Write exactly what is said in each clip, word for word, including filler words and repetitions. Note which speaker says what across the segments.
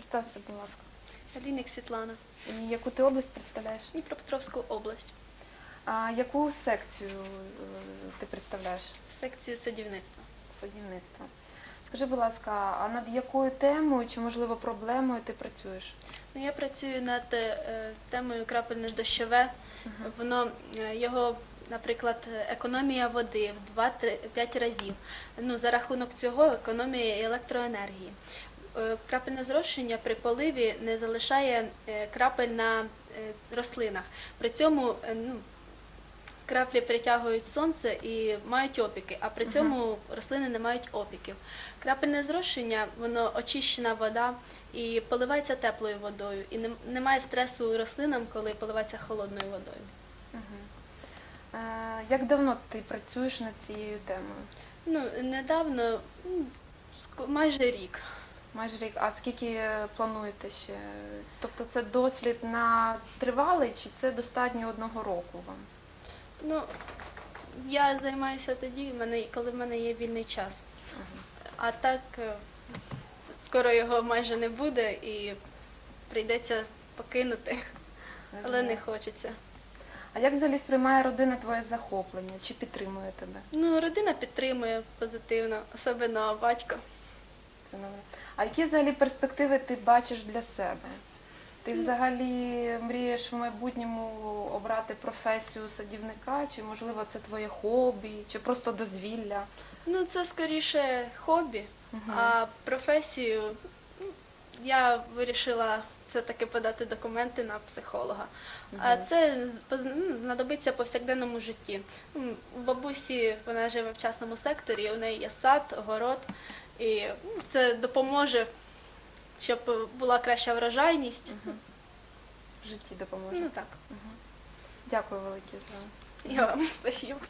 Speaker 1: Представся, будь ласка.
Speaker 2: Алійник Світлана,
Speaker 1: І яку ти область представляєш?
Speaker 2: Дніпропетровську область,
Speaker 1: А яку секцію е, ти представляєш?
Speaker 2: секцію садівництва.
Speaker 1: Садівництва. Скажи, будь ласка, а над якою темою чи, можливо, проблемою ти працюєш?
Speaker 2: Ну, я працюю над е, темою крапельно-дощове. Воно, е, його, наприклад, економія води в два-п'ять разів. Ну, за рахунок цього економія і електроенергії. Е, Крапельне зрошення при поливі не залишає е, крапель на е, рослинах. При цьому е, ну, краплі притягують сонце і мають опіки, а при цьому рослини не мають опіків. Крапельне зрошення, воно очищена вода і поливається теплою водою. І не- немає стресу рослинам, коли поливається холодною водою.
Speaker 1: Е, Як давно ти працюєш над цією темою?
Speaker 2: Ну, недавно, ну, ск- майже рік.
Speaker 1: Майже рік. А скільки е, плануєте ще? Тобто це дослід на тривалий чи це достатньо одного року вам?
Speaker 2: Ну, я займаюся тоді, в мене- коли в мене є вільний час. А так, е, скоро його майже не буде і прийдеться покинути, але не хочеться.
Speaker 1: А як взагалі сприймає родина твоє захоплення? Чи підтримує тебе?
Speaker 2: Ну, родина підтримує позитивно, особливо батько.
Speaker 1: А які взагалі перспективи ти бачиш для себе? Ти взагалі мрієш в майбутньому обрати професію садівника, чи можливо це твоє хобі, чи просто дозвілля?
Speaker 2: Ну, це скоріше хобі,
Speaker 1: Мгм.
Speaker 2: а професію ну, я вирішила все-таки подати документи на психолога. А це поз- ну, знадобиться в повсякденному житті. Ну, У бабусі вона живе в частному секторі, у неї є сад, город, і ну, це допоможе, щоб була краща врожайність.
Speaker 1: В житті допоможе.
Speaker 2: Ну так,
Speaker 1: Дякую велике за.
Speaker 2: я вам спасибо.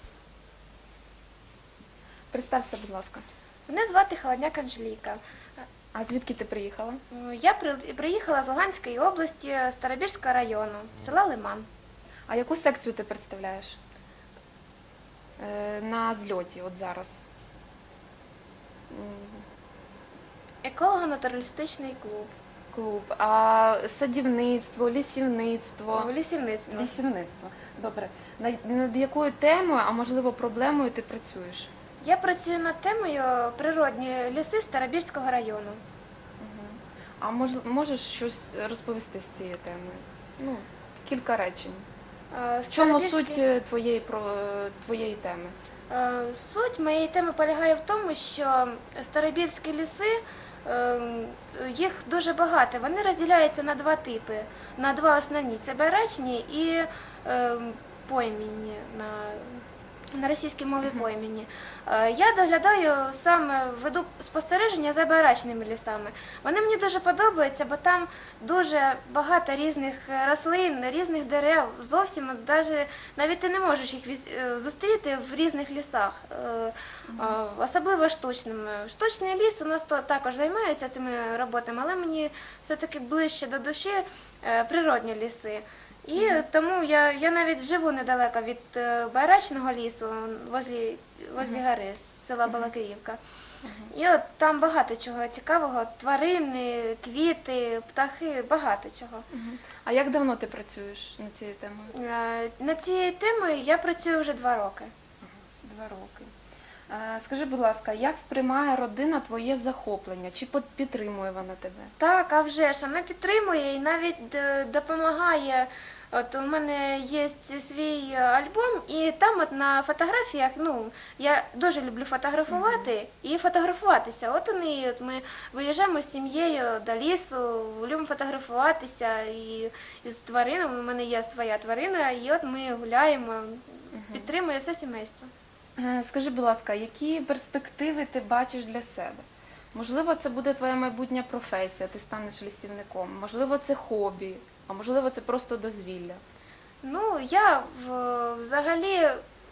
Speaker 1: Представся, будь ласка.
Speaker 3: Мене звати Холодняк Анжеліка.
Speaker 1: А звідки ти приїхала?
Speaker 3: Я при- приїхала з Луганської області, Старобірського району, села Лиман.
Speaker 1: А яку секцію ти представляєш? Е, на зльоті, от зараз. М,
Speaker 3: Еколого-натуралістичний клуб.
Speaker 1: Клуб. А садівництво, лісівництво?
Speaker 3: Лісівництво.
Speaker 1: Лісівництво. Добре. Над, над якою темою, а можливо проблемою ти працюєш?
Speaker 3: Я працюю над темою природні ліси Старобірського району.
Speaker 1: А мож, можеш щось розповісти з цією темою? Ну, кілька речень.
Speaker 3: Е,
Speaker 1: В чому
Speaker 3: Старобірський-
Speaker 1: суть е, твоєї, про, твоєї теми?
Speaker 3: Е, Суть моєї теми полягає в тому, що старобірські ліси, е, їх дуже багато. Вони розділяються на два типи, на два основні. Це барачні і е, поймінні, на, на російській мові поймінні. Е, Я доглядаю саме, веду спостереження за барачними лісами. Вони мені дуже подобаються, бо там дуже багато різних рослин, різних дерев. Зовсім от даже, навіть ти не можеш їх віз- е, зустріти в різних лісах, е, а, особливо штучними. Штучний ліс у нас то також займається цими роботами, але мені все-таки ближче до душі е, природні ліси. І тому я, я навіть живу недалеко від е, Байрачного лісу, возле, возле гори, з села Балакирівка. І от там багато чого цікавого, тварини, квіти, птахи, багато чого.
Speaker 1: А як давно ти працюєш над цією темою?
Speaker 3: Е, Над цією темою я працюю вже два роки.
Speaker 1: Два роки. Е, Скажи, будь ласка, як сприймає родина твоє захоплення? Чи під- підтримує вона тебе?
Speaker 3: Так, а вже ж вона підтримує і навіть е, допомагає. От у мене є свій альбом, і там от на фотографіях, ну, я дуже люблю фотографувати і фотографуватися. От вони, от ми виїжджаємо з сім'єю до лісу, любимо фотографуватися і, і з тваринами. У мене є своя тварина, і от ми гуляємо, підтримує все сімейство.
Speaker 1: Е, Скажи, будь ласка, які перспективи ти бачиш для себе? Можливо, це буде твоя майбутня професія, ти станеш лісівником, можливо, це хобі, а можливо, це просто дозвілля.
Speaker 3: Ну, я в- взагалі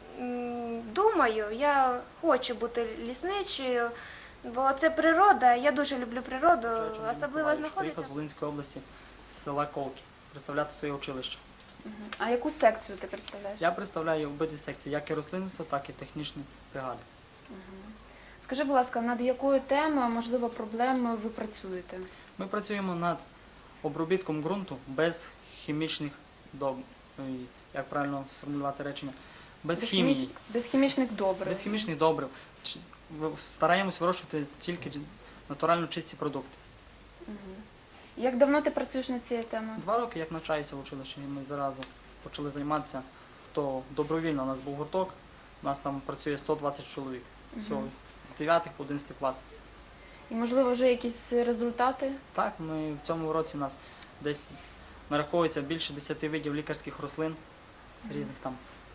Speaker 3: м, думаю, я хочу бути лісничою, бо це природа, я дуже люблю природу, особливо
Speaker 4: Приїхав
Speaker 3: знаходиться.
Speaker 4: з Волинської області, з села Колки, представляти своє училище.
Speaker 1: А яку секцію ти представляєш?
Speaker 4: Я представляю обидві секції, як і рослинництво, так і технічні бригади.
Speaker 1: Скажи, будь ласка, над якою темою, а можливо, проблемою ви працюєте?
Speaker 4: Ми працюємо над обробітком ґрунту без хімічних доб... ой, як правильно сформулювати речення? Без
Speaker 1: Без
Speaker 4: хімії,
Speaker 1: хіміч- без хімічних добрив.
Speaker 4: без хімічних добрив. Ч- ви- Стараємось вирощувати тільки натурально чисті продукти.
Speaker 1: Мгм. Як давно ти працюєш над цією темою?
Speaker 4: Два роки, як навчаюся в училищі, і ми зразу почали займатися. Хто добровільно, у нас був гурток, у нас там працює сто двадцять чоловік. Всього,
Speaker 1: Мгм.
Speaker 4: з дев'ятих по одинадцятий клас.
Speaker 1: І, можливо, вже якісь результати?
Speaker 4: Так, ми в цьому році у нас десь нараховується більше десяти видів лікарських рослин різних там.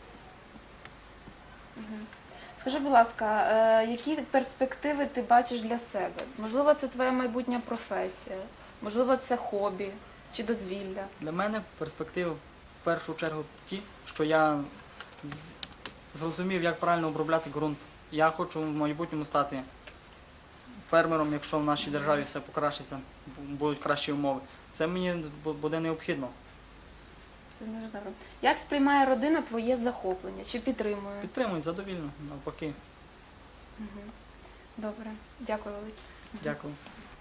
Speaker 1: Мгм. Скажи, будь ласка, е, які перспективи ти бачиш для себе? Можливо, це твоя майбутня професія, можливо, це хобі чи дозвілля.
Speaker 4: Для мене перспективи в першу чергу ті, що я з- зрозумів, як правильно обробляти ґрунт. Я хочу в майбутньому стати фермером, якщо в нашій державі все покращиться, бу- будуть кращі умови. Це мені бу- буде необхідно.
Speaker 1: Це дуже добре. Як сприймає родина твоє захоплення? Чи підтримує?
Speaker 4: Підтримують задовільно, навпаки.
Speaker 1: Мгм. Добре, дякую велике.
Speaker 4: Дякую.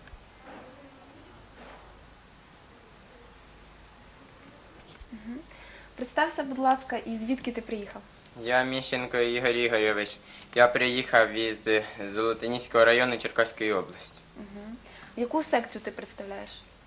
Speaker 1: Представся, будь ласка, і звідки ти приїхав?
Speaker 5: Я Міщенко Ігор Ігорович. Я приїхав із Золотоніського району Черкаської області.
Speaker 1: Угу. Яку секцію ти представляєш?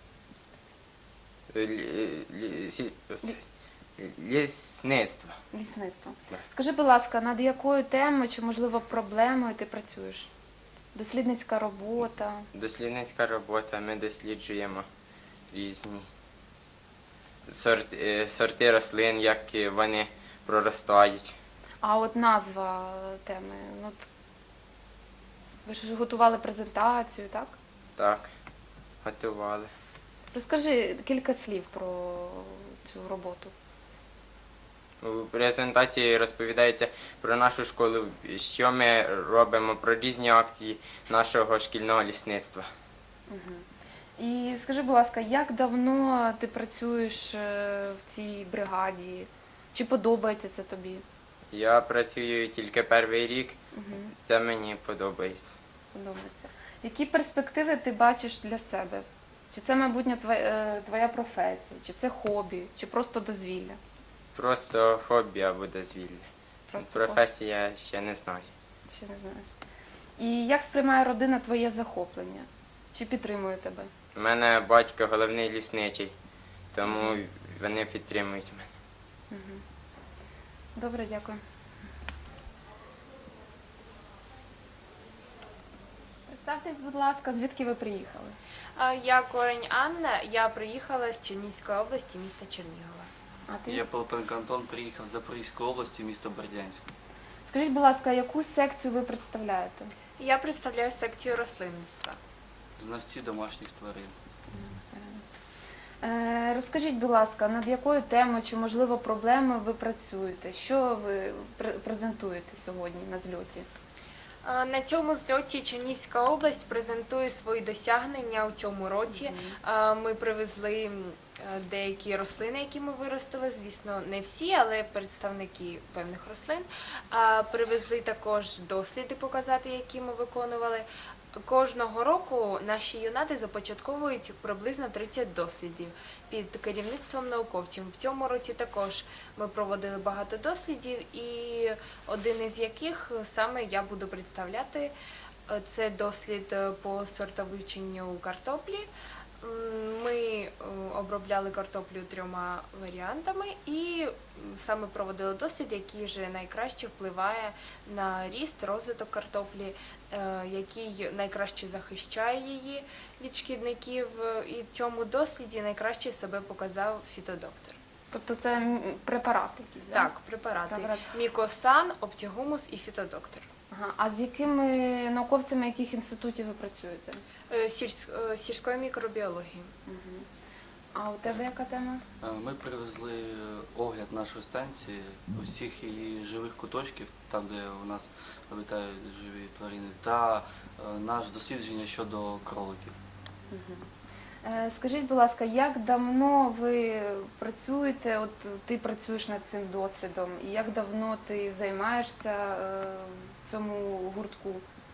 Speaker 5: Лі- лі- сі- оце, Лісництво.
Speaker 1: Лісництво.
Speaker 5: Так.
Speaker 1: Скажи, будь ласка, над якою темою чи, можливо, проблемою ти працюєш? Дослідницька робота.
Speaker 5: Дослідницька робота. Ми досліджуємо різні сорти, е, сорти рослин, як вони проростають.
Speaker 1: А от назва теми. Ну, от ви ж готували презентацію, так?
Speaker 5: Так, готували.
Speaker 1: Розкажи кілька слів про цю роботу.
Speaker 5: У презентації розповідається про нашу школу, що ми робимо, про різні акції нашого шкільного лісництва.
Speaker 1: Угу. І скажи, будь ласка, як давно ти працюєш е, в цій бригаді? Чи подобається це тобі?
Speaker 5: Я працюю тільки перший рік,
Speaker 1: Угу.
Speaker 5: це мені подобається.
Speaker 1: Подобається. Які перспективи ти бачиш для себе? Чи це, майбутнє, твоя, е, твоя професія, чи це хобі, чи просто дозвілля?
Speaker 5: Просто хобі або дозвілля.
Speaker 1: Просто
Speaker 5: Професія ще не знаю.
Speaker 1: хобі, ще не знаєш. І як сприймає родина твоє захоплення? Чи підтримує тебе?
Speaker 5: У мене батько головний лісничий, тому вони підтримують мене.
Speaker 1: Угу. Добре, дякую. Представтесь, будь ласка, звідки ви приїхали?
Speaker 6: А, Я Корень Анна, я приїхала з Чернігівської області, міста Чернігова.
Speaker 1: А ти?
Speaker 7: Я Пилипенко Антон, приїхав з Запорізької області, місто Бердянськ.
Speaker 1: Скажіть, будь ласка, яку секцію ви представляєте?
Speaker 6: Я представляю секцію рослинництва.
Speaker 7: Знавці домашніх тварин.
Speaker 1: Е, Розкажіть, будь ласка, над якою темою чи, можливо, проблемою ви працюєте? Що ви пр- презентуєте сьогодні на зльоті?
Speaker 6: А, На цьому зльоті Чернігівська область презентує свої досягнення у цьому році. А, Ми привезли м, е, деякі рослини, які ми виростили, звісно, не всі, але представники певних рослин. А, Привезли також досліди показати, які ми виконували. Кожного року наші юнати започатковують приблизно тридцять дослідів під керівництвом науковців. В цьому році також ми проводили багато дослідів, і один із яких саме я буду представляти. Е, Це дослід е, по сортовивченню картоплі. М, Ми е, обробляли картоплю трьома варіантами і м, саме проводили дослід, який же найкраще впливає на ріст, розвиток картоплі, е, який найкраще захищає її від шкідників. Е, І в цьому досліді найкраще себе показав фітодоктор.
Speaker 1: Тобто це м, препарат якийсь, да?
Speaker 6: Так, препарати.
Speaker 1: Препарат.
Speaker 6: Мікосан, оптігумус і фітодоктор.
Speaker 1: Ага. А з якими науковцями яких інститутів ви працюєте?
Speaker 6: Е, сільсь- е, Сільської мікробіології.
Speaker 1: Угу. А у тебе яка тема?
Speaker 7: Е, Ми привезли огляд нашої станції, усіх її живих куточків, там де у нас обітають живі тварини, та е, наше дослідження щодо кроликів.
Speaker 1: Угу. Е, Скажіть, будь ласка, як давно ви працюєте, от ти працюєш над цим досвідом, і як давно ти займаєшся е, в цьому гуртку?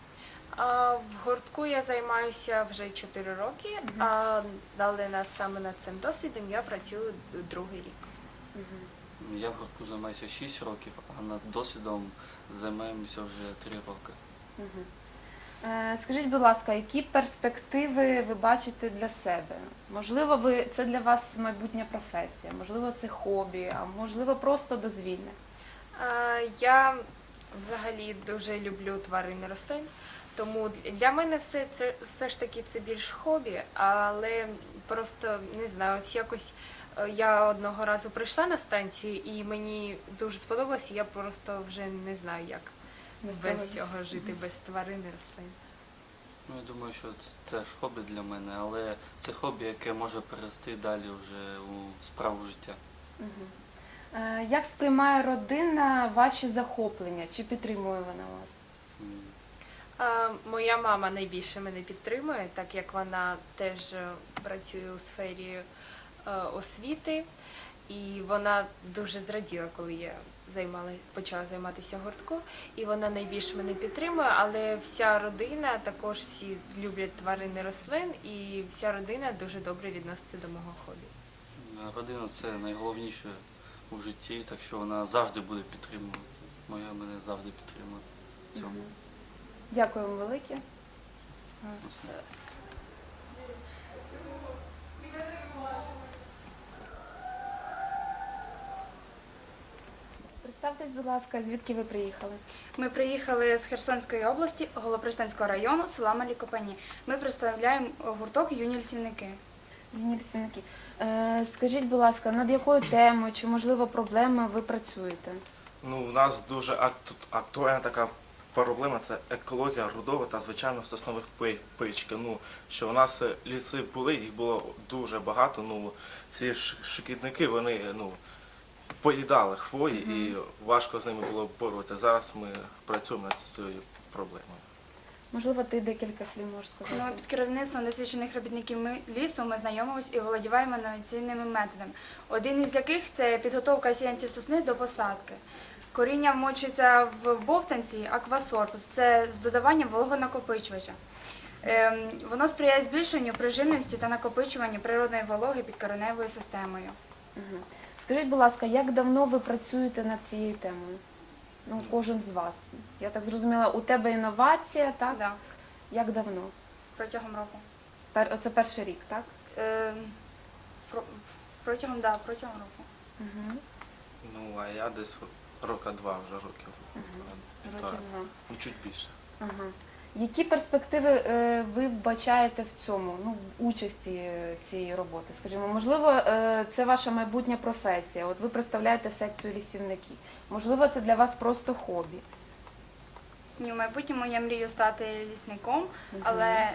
Speaker 6: А в гуртку я займаюся вже чотири роки, а далі на саме над цим досвідом я працюю другий рік.
Speaker 7: Я в гуртку займаюся шість років, а над досвідом займаємося вже три роки.
Speaker 1: Мгм. Е, Скажіть, будь ласка, які перспективи ви бачите для себе? Можливо, ви це для вас майбутня професія, можливо, це хобі, а можливо, просто дозвілля.
Speaker 6: А, Я взагалі дуже люблю тварин і рослин, тому для мене все це все ж таки це більш хобі, але просто не знаю, ось якось е, я одного разу прийшла на станцію і мені дуже сподобалося, я просто вже не знаю, як
Speaker 1: Без
Speaker 6: без
Speaker 1: того.
Speaker 6: цього жити, без тварин і рослин.
Speaker 7: Ну, я думаю, що це теж хобі для мене, але це хобі, яке може перерости далі вже у справу життя.
Speaker 1: Мгм. Е, Як сприймає родина ваші захоплення? Чи підтримує вона вас?
Speaker 7: М.
Speaker 6: А, Моя мама найбільше мене підтримує, так як вона теж е, працює у сфері е, освіти, і вона дуже зраділа, коли я займала, почала займатися в гуртку, і вона найбільше мене підтримує, але вся родина, також всі люблять тварин і рослин, і вся родина дуже добре відноситься до мого хобі.
Speaker 7: Родина це найголовніше у житті, так що вона завжди буде підтримувати. Моя мене завжди підтримує в цьому.
Speaker 1: Мгм. Дякую вам велике.
Speaker 7: Все.
Speaker 1: Представтесь, будь ласка, звідки ви приїхали?
Speaker 8: Ми приїхали з Херсонської області, Голопристанського району, села Малі Копані. Ми представляємо гурток «Юні лісівники».
Speaker 1: Юні лісівники. Е, Скажіть, будь ласка, над якою темою чи, можливо, проблемою ви працюєте?
Speaker 9: Ну, у нас дуже акту- актуальна така проблема – це екологія рудого та, звичайно, соснових пи- пички. Ну, що у нас е, ліси були, їх було дуже багато. Ну, ці ш- шкідники, вони, ну, поїдали хвої і важко з ними було боротися. Зараз ми працюємо над цією проблемою.
Speaker 1: Можливо, ти декілька слів можеш сказати?
Speaker 8: Ну, під керівництвом досвідчених робітників ми, лісу ми знайомимось і володіваємо інноваційними методами. Один із яких – це підготовка сіянців сосни до посадки. Коріння вмочується в бовтанці аквасорбус, це з додаванням вологонакопичувача. Ем, воно сприяє збільшенню прижимності та накопичуванню природної вологи під кореневою системою.
Speaker 1: Мгм. Скажіть, будь ласка, як давно ви працюєте над цією темою? Ну, кожен з вас. Я так зрозуміла, у тебе інновація, так?
Speaker 8: Так,
Speaker 1: Як давно?
Speaker 8: протягом року.
Speaker 1: Пер... Оце перший рік, так?
Speaker 8: Ем, про- протягом, да, протягом року.
Speaker 1: Угу.
Speaker 9: Ну, а я десь рока два вже років. Півтора.
Speaker 1: Років два.
Speaker 9: Ну, чуть більше.
Speaker 1: Ага. Які перспективи е, ви вбачаєте в цьому, ну, в участі е, цієї роботи? Скажімо, можливо, е, це ваша майбутня професія. От ви представляєте секцію лісівників. Можливо, це для вас просто хобі.
Speaker 8: Ні, в майбутньому я мрію стати лісником, але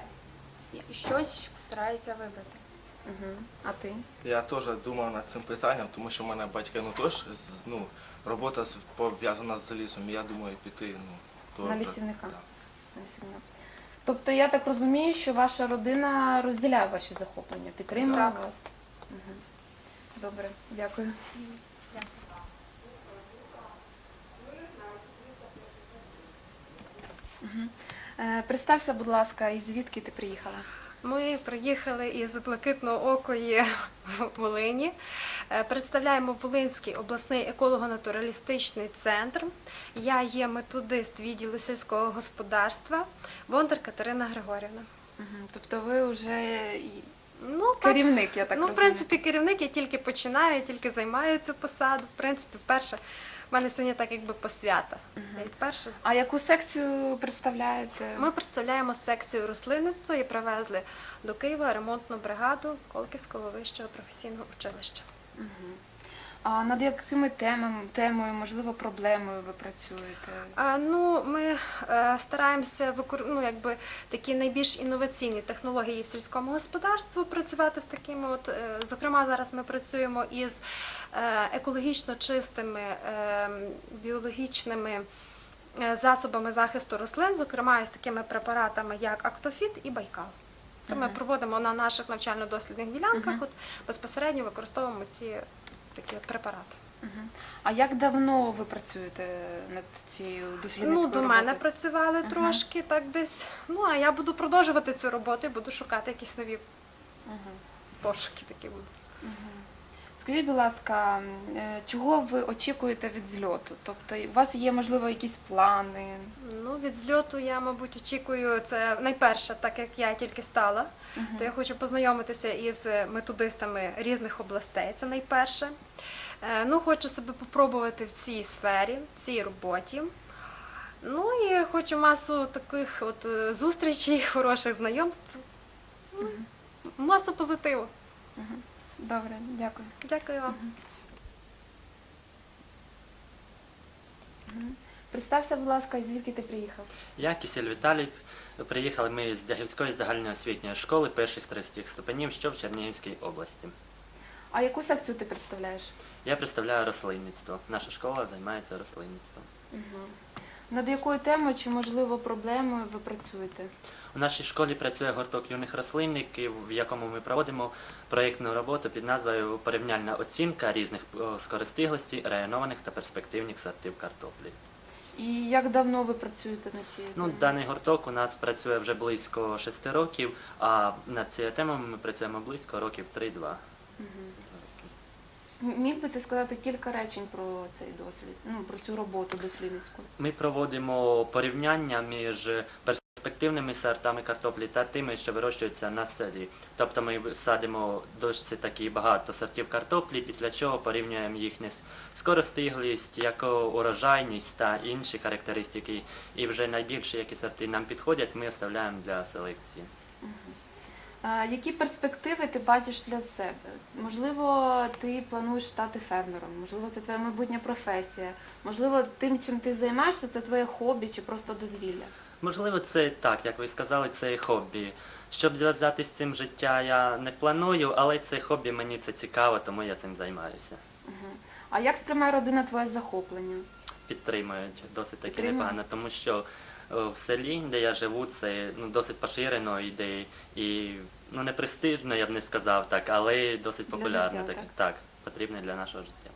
Speaker 8: щось постараюся вибрати.
Speaker 1: Угу. А ти?
Speaker 9: Я теж думав над цим питанням, тому що в мене батьки, ну, теж, з- ну, робота з- пов'язана з лісом, і я думаю піти, ну,
Speaker 1: На
Speaker 9: теж,
Speaker 1: лісівника?
Speaker 9: так.
Speaker 1: Лісівник. Тобто я так розумію, що ваша родина розділяє ваші захоплення, підтримує
Speaker 8: Так.
Speaker 1: вас? Угу. Добре, дякую. Мгм. Е, Представся, будь ласка, і звідки ти приїхала?
Speaker 10: Ми приїхали із Блакитноокої Волині. Е, Представляємо Волинський обласний еколого-натуралістичний центр. Я є методист відділу сільського господарства Бондар Катерина Григорівна.
Speaker 1: Угу. Тобто ви вже і
Speaker 10: Ну, так,
Speaker 1: керівник, я так
Speaker 10: ну, в
Speaker 1: розумію.
Speaker 10: принципі, керівник, я тільки починаю, я тільки займаю цю посаду. В принципі, вперше в мене сьогодні так якби посвята. Я вперше
Speaker 1: А яку секцію представляєте?
Speaker 10: Ми представляємо секцію рослинництва і привезли до Києва ремонтну бригаду Колківського вищого професійного училища.
Speaker 1: Мгм. А над якими темами, темою, можливо, проблемою ви працюєте?
Speaker 10: А, ну, ми е, стараємося викор... ну, якби, такі найбільш інноваційні технології в сільському господарстві працювати з такими. От, е, зокрема, зараз ми працюємо із е, екологічно чистими е, біологічними е, засобами захисту рослин, зокрема із такими препаратами, як Актофіт і Байкал. Це ми
Speaker 1: Мгм.
Speaker 10: проводимо на наших навчально-дослідних ділянках,
Speaker 1: Мгм.
Speaker 10: от, безпосередньо використовуємо ці такі препарати.
Speaker 1: Мгм. А як давно ви працюєте над цією дослідницькою
Speaker 10: Ну, до мене
Speaker 1: роботою?
Speaker 10: працювали
Speaker 1: Ага.
Speaker 10: трошки так десь. Ну, а я буду продовжувати цю роботу і буду шукати якісь нові
Speaker 1: Мгм.
Speaker 10: пошуки такі будуть.
Speaker 1: Мгм. Скажіть, будь ласка, е, чого ви очікуєте від зльоту? Тобто у вас є, можливо, якісь плани?
Speaker 10: Ну, від зльоту я, мабуть, очікую, це найперше, так як я тільки стала,
Speaker 1: Мгм.
Speaker 10: то я хочу познайомитися із методистами різних областей, це найперше. Е, Ну, хочу себе попробувати в цій сфері, в цій роботі. Ну і хочу масу таких от е, зустрічей, хороших знайомств, ну, масу позитиву.
Speaker 1: Мгм. Добре, дякую.
Speaker 10: Дякую вам.
Speaker 1: Мгм. Представся, будь ласка, звідки ти приїхав?
Speaker 11: Я Кисіль Віталій. Приїхали ми з Дягівської загальноосвітньої школи перших третіх ступенів, що в Чернігівській області.
Speaker 1: А яку секцію ти представляєш?
Speaker 11: Я представляю рослинництво. Наша школа займається рослинництвом.
Speaker 1: Угу. Над якою темою чи, можливо, проблемою ви працюєте?
Speaker 11: У нашій школі працює гурток юних рослинників, в якому ми проводимо проєктну роботу під назвою «Порівняльна оцінка різних е, скористиглостей, районованих та перспективних сортів картоплі».
Speaker 1: І як давно ви працюєте над цією
Speaker 11: Ну,
Speaker 1: темою?
Speaker 11: даний гурток у нас працює вже близько шести років, а над цією темою ми працюємо близько років три-два.
Speaker 1: Мгм. М- Міг би ти сказати кілька речень про цей досвід, ну, про цю роботу дослідницьку?
Speaker 11: Ми проводимо порівняння між перспективними сортами картоплі та тими, що вирощуються на селі. Тобто ми садимо досить таки багато сортів картоплі, після чого порівнюємо їхню скоростиглість, яку урожайність та інші характеристики. І вже найбільші, які сорти нам підходять, ми оставляємо для селекції.
Speaker 1: А які перспективи ти бачиш для себе? Можливо, ти плануєш стати фермером, можливо, це твоя майбутня професія, можливо, тим, чим ти займаєшся, це твоє хобі чи просто дозвілля.
Speaker 11: Можливо, це так, як ви сказали, це хобі. Щоб зв'язати з цим життя, я не планую, але це хобі, мені це цікаво, тому я цим займаюся.
Speaker 1: Угу. А як сприймає родина твоє захоплення?
Speaker 11: Підтримують досить таки
Speaker 1: Підтримують?
Speaker 11: непогано, тому що е, в селі, де я живу, це ну, досить поширено іде і ну, не престижно, я б не сказав так, але досить
Speaker 1: Для
Speaker 11: популярно.
Speaker 1: життя,
Speaker 11: так,
Speaker 1: так?
Speaker 11: так, потрібне для нашого життя.